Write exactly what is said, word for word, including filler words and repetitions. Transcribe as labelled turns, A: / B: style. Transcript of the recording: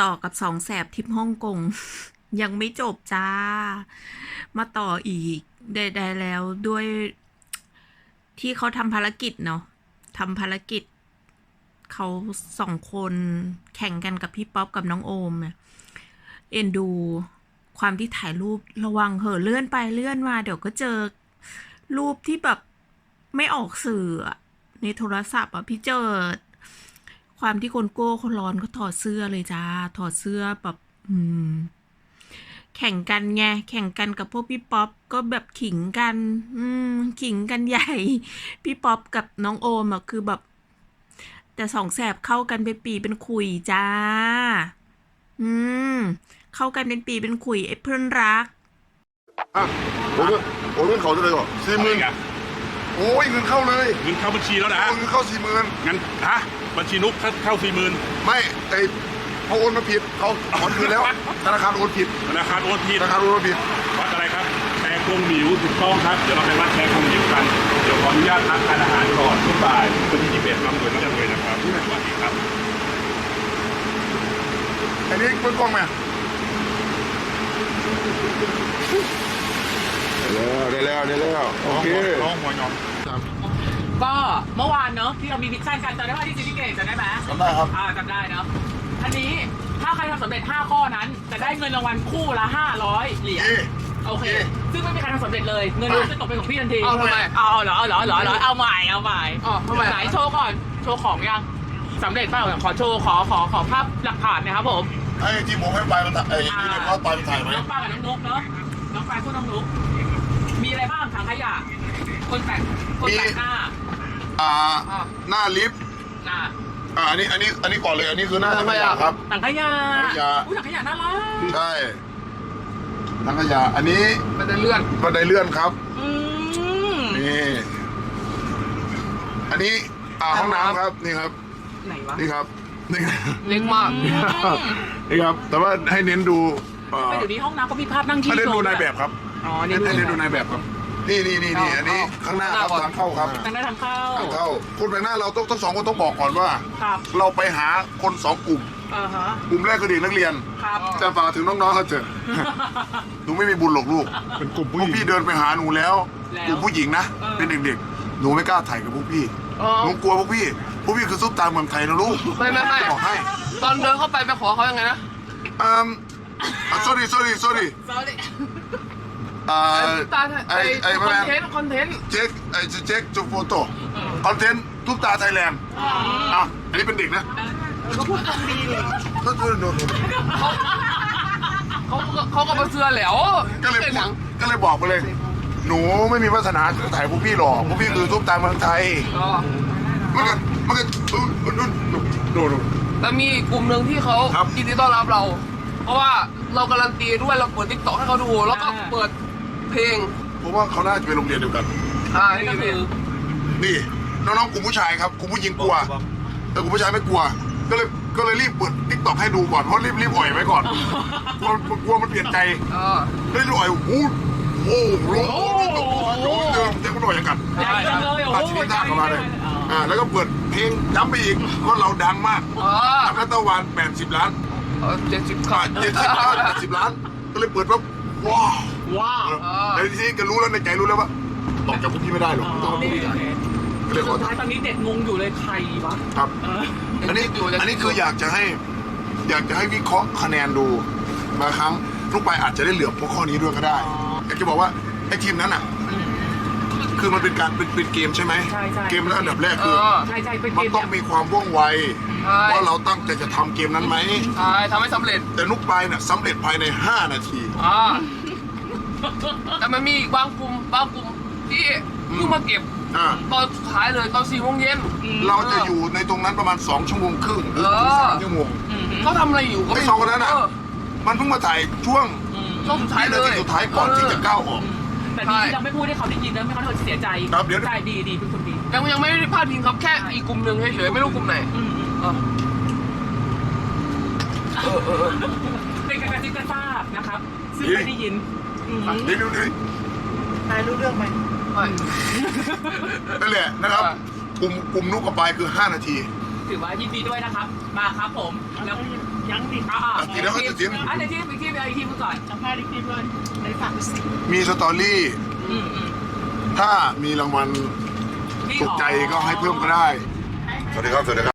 A: ต่อกับสองแสบทริปฮ่องกง ยังไม่จบจ้า มาต่ออีกได้ๆแล้วด้วยที่เขาทำภารกิจเนาะทำภารกิจเขาสองคนแข่งกันกับพี่ป๊อปกับน้องโอมเนี่ยเอ็นดูความที่ถ่ายรูประวังเหอะเลื่อนไปเลื่อนมาเดี๋ยวก็เจอรูปที่แบบไม่ออกสื่อในโทรศัพท์อ่ะพี่เจิดความที่คนโก้คนร้อนก็ถอดเสื้อเลยจ้าถอดเสื้อแบบอืมแข่งกันไงแข่งกันกับพวกพี่ป๊อปก็แบบขิงกัน อืมขิงกันใหญ่ พี่ป๊อปกับน้องโอมอ่ะคือแบบแต่สองแสบเข้ากันเป็นปีเป็นขุยจ้า อืมเข้ากันเป็นปีเป็นขุยไอ้เพื่อนรัก
B: อ่ะโอ้ยโอ้ยเงินเขาจะเลยก่อนสี่หมื่นโอ้ยเงินเข้าเลย
C: เงินเข้าบัญชีแล้วนะ
B: โอ้ยเงินเข้าสี่หมื่น
C: งั้นฮะบัญชีนุกเข้าสี่หมื่น
B: ไม่ไอเขาโอนมาผิดเขาถอนคืนแล้วธนาคารโอนผิด
C: ธนาคารโอนผิด
B: ธนาคารโอนมาผิด
C: วัดอะไรครับแชร์คงหมิวถูกต้องครับเดี๋ยวเราไปวัดแชร์คงหมิวกันเดี๋ยวขออนุญาตทานอาหารก่อนทุกบ่ายวันที่ยี่สิบเอ็ดรับเลยรับเลยนะครับสวัสดีครับ
B: อันนี้เปิดกล้องไหมได้แล้วได้แล้วได้แล้วโอเค
C: ร้องหัวยอง
D: ก็เมื่อวานเนอะที่เรามีมิชชั่นกันจำได้ว่าที่ซิตี้เกตจำได้ไหม
B: จำได้ครับ
D: อ่าจำได้เนอะอันนี้ถ้าใครทำสำเร็จห้าข้อนั้น จะได้เงินรางวัลคู่ละห้าร้อยเหรียญ
B: เอ๊ะ
D: โอเค ซึ่งไม่มีใครทำสำเร็จเลย เงินรวมจะตกเป็นของพี่ทันที
E: เอาทำไม
D: เอาเหรอเอาเหรอเอาเหรอเอาเหรอเอาใหม่เอาใหม่
E: อ๋อทำไม
D: ไหนโชว์ก่อนโชว์ของยังสำเร็จเปล่าขอโชว์ขอขอขอภาพหลักฐานนะครับผม
B: ไอ้ที่ผมให้ไปมันถ่ายไอ้นี่เนี่ยเขาไปมันถ่ายไหม
D: น้องปลากับน้องนุ๊กเนาะน้องปลาคู่น้องนุ๊กมีอะไรบ้างถังขยะคนแปลกคนแปลกหน้า
B: อ่าหน้าลิฟต์
D: น่ะ
B: อ่าอันนี้อันนี้อันนี้ก่อนเลยอันนี้คือหน้าธรรมยาครับ
D: ถังขยะ
B: ถังขยะ
D: อุ้ยถังขยะน่ารัก
B: ใช่ถังขยะอันนี้
E: มันจะเลื่อน
B: บันไดเลื่อนครับ
D: อืม
B: นี่อันนี้อ่าห้องน้ำครับนี่ครับ
D: ไหนวะ
B: นี่ครับนี่ครับ
E: เล็กมาก
B: นี่ครับแต่ว่าให้เน้นดูเอ่อ
D: ไปเดี๋ยวนี้ห้องน้ำก็มีภาพนั่งที่
B: ให้เน้นดู
D: โซ
B: นายแบบครับ
D: อ๋อ
B: ให้
D: นี่
B: เน้นดูนายแบบครับนี่นี่นี่นี่อันนี้ข้างหน้าครับทางเข้าครับ
D: ทางหน้าทางเข้า
B: ทางเข้าคนแปลกหน้าเราต้องทั้งสองคนต้องบอกก่อนว่า
D: ครับ
B: เราไปหาคนสองกลุ่ม
D: อ่าฮะ
B: กลุ่มแรกคือเด็กนักเรียน
D: ครับ
B: จะฝากถึงน้องๆเขาเถอะ หนูไม่มีบุญหรอกลูก
C: เป็นกลุ่ม
B: พ
C: ผู้
B: ว
C: ห
B: ก
C: ญิง
B: พี่เดินไปหาหนูแล้ว
D: แล้ว
B: กลุ่มผู้หญิงนะ
D: เออ
B: เป็นเด็กๆหนูไม่กล้าถ่ายกับพวกพี่
E: อ๋อ
B: หนูกลัวพวกพี่พวกพี่คือซุปตาเมืองไทยนะลูก
E: ไม่ไม่ไม่
B: บอกให้
E: ตอนเดินเข้าไปไปขอเขายังไงนะ
B: อืม sorry sorry sorry อ่า
E: ตา
B: ไอ้
E: ไอ้
B: ไอ้
E: ค
B: แม
E: อน
B: น
E: เทนต์คอนเทนต์
B: เช็คไอ้เช็คจุดโฟโต้คอนเทนต์ทุกตาไทยแลนด์อ่ะอันนี้เป็นเด็กนะ
D: ก็พูดตรงดีดิ
B: ก็คือโดน
E: เขาเขาก็มาเสื้อแหล้ว
B: ก็เลย
E: ป็นหนัง
B: ก็เลยบอกไปเลย หนูไม่มีวาสนาถ่ายพวกพี่หรอกพวกพี่คือทุกตาเมืองไทย
E: อ๋อ
B: มันก็มันก็ดูดูดูดู
E: แต่มีอีกกลุ่มหนึ่งที่เขา
B: ครับ
E: ยินดีต้อนรับเรา เพราะว่าเราการันตีด้วยเราเปิดทิกตอกให้เขาดู แล้วก็เปิดเพลง
B: ผมว่าเขาน่าจะเป็นโรงเรียนเดียวกัน
E: อ่า
D: นี่
E: นี่
D: ก็
E: เพ
D: คื
E: ลง
D: อ
B: นี่น้องๆกลุ่มผู้ชายครับกลุ่มผู้หญิงกลัว แต่กลุ่มผู้ชายไม่กลัว ก็เลยก็เลยรีบเปิดทิกตอกให้ดูก่อนเพราะรีบรีบอ่อยไว้ก่อนกลัวกลัวมันเปลี่ยนใจ
E: อ่า
B: เลยรีบอ่อยโอ้โหโอ้โหโอ้โหเดินเดินมันอ่อยอย่างกัน
D: ใหญ่จังเลยโอ้
B: ตัด
D: โห
B: ชีวิตหน้าเข้ามาเลยอ่าแล้วก็เปิดเพลงย้ำไปอีกเพราะเราดังมาก
E: อ่า
B: นักตะวันแปดสิบล้าน
E: เจ็ดสิบ
B: อ่า
E: ขาด
B: เจ็ดสิบล้านแปดสิบล้าน ก็เลยเปิดว่าว้าว
D: ว้าว
B: แต่ทีนี้ก็รู้แล้วในใจรู้แล้วว่าตอบจากพวกพี่ไม่ได้หรอกต้องพวกพี่ได้ก็เลยขอ
D: สุดท้ายตอนนี้เด็กงงอยู่เลยใครวะ
B: ครับ
D: เออ
B: อันนี้อันนี้คืออยากจะให้ อยากจะให้วิเคราะห์คะแนนดูบางครั้งลูกไปอาจจะได้เหลือพวกข้อนี้ด้วยก็ได้อยากจะบอกว่าไอ้ทีมนั้นอ่ะ คือมันเป็นการเป็นเป็นเกมใช่ไหม
D: ใช่ใช่
B: เกมแล้วอันดับแรก
E: เอ
B: คือ
E: อ
D: ใช่ใช่เป็น
B: มั
D: เก
B: น
D: ม
B: ต้องมีความว่องไว
E: ใช่
B: ว่าเราตั้งใจจะทำเกมนั้นไหม
E: ใช่ทำให้สำเร็จ
B: แต่นุกไปเนี่ยสำเร็จภายในห้านาที
E: อ่าแต่มันมีอีกบางกลุ่มบางกลุ่มที่เพิ่งมาเก็บ
B: อ่า
E: ตอนสุดท้ายเลยตอนสี่โมงเย็น
B: เราจะอยู่ในตรงนั้นประมาณสองชั่วโมงครึ่งหรือถึงสามชั่วโมง
D: อืม
E: เขาทำอะไรอยู่ก็
B: ไอ้
E: ไม่
B: สองคนนั้นอ่ะ
E: เออ
B: มันเพิ่งมาถ่ายช่วง
D: อืม
E: ช่วงสุดท้าย
B: วิ
E: เล
B: นาย ทีสุดท้ายก่อนที่จะก้าวออก
D: แต่ดีที่เราไม่พูดให้เขาได้ยินแล้วไม่งั้นเขาจะเสียใจ
B: ครับเดี๋ยว
D: ใช่ดีดีเป็นคนดี
E: ยังยังไม่ได้พลาดพิงครับแค่อีกกลุ่มหนึ่งเฉยๆไม่รู้กลุ่มไหน
D: อืมอืม
E: เออเออเออเออ
D: เป็นการกระซิบกระซาบนะครับ ซึ่งไม่ได้ยินอืม
B: เดี๋ยวดูดิ
D: นายรู้เรื่องไหม
E: ใช่
B: นั่นแหละนะครับกลุ่มกลุ่มนุกกับปลายคือห้านาที
D: ถือว่ายินดีด้วยนะครับ มาครับผม แล้วยังดิอ่า
B: อ่ะทีแล้วก็จะทีม
D: อ่ะเดี๋ยวทีมอีกทีมอีกทีมก่อนสัมภาษณ์อีกทีมเลยในฝากสิ
B: มีสตอรี่
D: อืมอืม
B: ถ้ามีรางวัลถูกใจก็ให้เพิ่มก็ได้ สวัสดีครับ สวัสดีครับ